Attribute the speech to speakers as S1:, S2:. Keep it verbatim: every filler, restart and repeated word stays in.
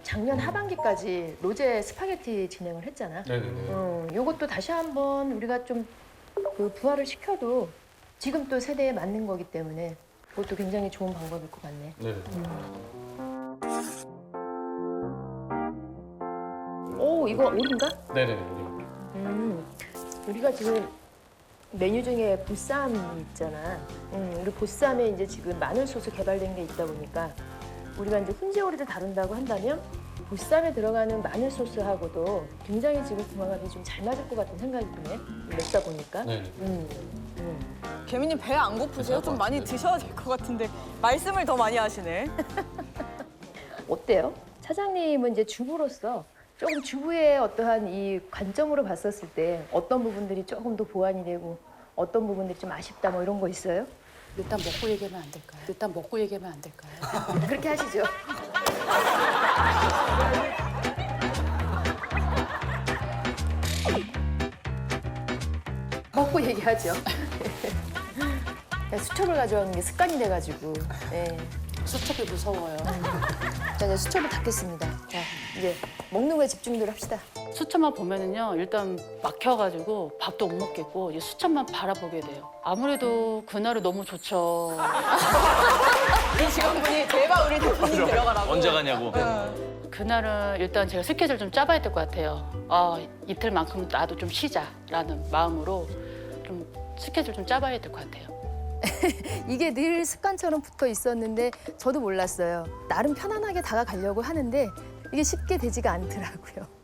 S1: 작년 하반기까지 로제 스파게티 진행을 했잖아.
S2: 네네네.
S1: 어, 요것도 다시 한번 우리가 좀 그 부활을 시켜도 지금 또 세대에 맞는 거기 때문에 그것도 굉장히 좋은 방법일 것 같네.
S2: 네.
S1: 오, 이거 오리인가?
S2: 네네네.
S1: 음, 우리가 지금 메뉴 중에 보쌈이 있잖아. 음, 우리 보쌈에 이제 지금 마늘 소스 개발된 게 있다 보니까 우리가 이제 훈제오리를 다룬다고 한다면 보쌈에 들어가는 마늘 소스하고도 굉장히 지금 궁합이 좀 잘 맞을 것 같은 생각이 드네. 먹다 보니까.
S2: 네.
S1: 음, 음.
S3: 개미님 배 안 고프세요? 좀 많이 드셔야 될 것 같은데 말씀을 더 많이 하시네.
S1: 어때요? 차장님은 이제 주부로서 조금 주부의 어떠한 이 관점으로 봤었을 때 어떤 부분들이 조금 더 보완이 되고 어떤 부분들이 좀 아쉽다 뭐 이런 거 있어요?
S4: 일단 먹고 얘기하면 안 될까요? 일단 먹고 얘기하면 안 될까요?
S1: 그렇게 하시죠. 먹고 얘기하죠. 수첩을 가져오는 게 습관이 돼가지고. 예.
S4: 수첩이 무서워요.
S1: 자, 이제 수첩을 닫겠습니다. 자, 이제 먹는 거에 집중들 합시다.
S4: 수첩만 보면은요, 일단 막혀가지고 밥도 못 먹겠고 이제 수첩만 바라보게 돼요. 아무래도 그날은 너무 좋죠.
S3: 이 직원분이 대박 우리 대표님 들어가라고.
S2: 언제 가냐고.
S4: 그날은 일단 제가 스케줄 좀 짜봐야 될 것 같아요. 아, 이틀만큼 나도 좀 쉬자라는 마음으로 좀 스케줄 좀 짜봐야 될 것 같아요.
S1: 이게 늘 습관처럼 붙어 있었는데 저도 몰랐어요. 나름 편안하게 다가가려고 하는데 이게 쉽게 되지가 않더라고요.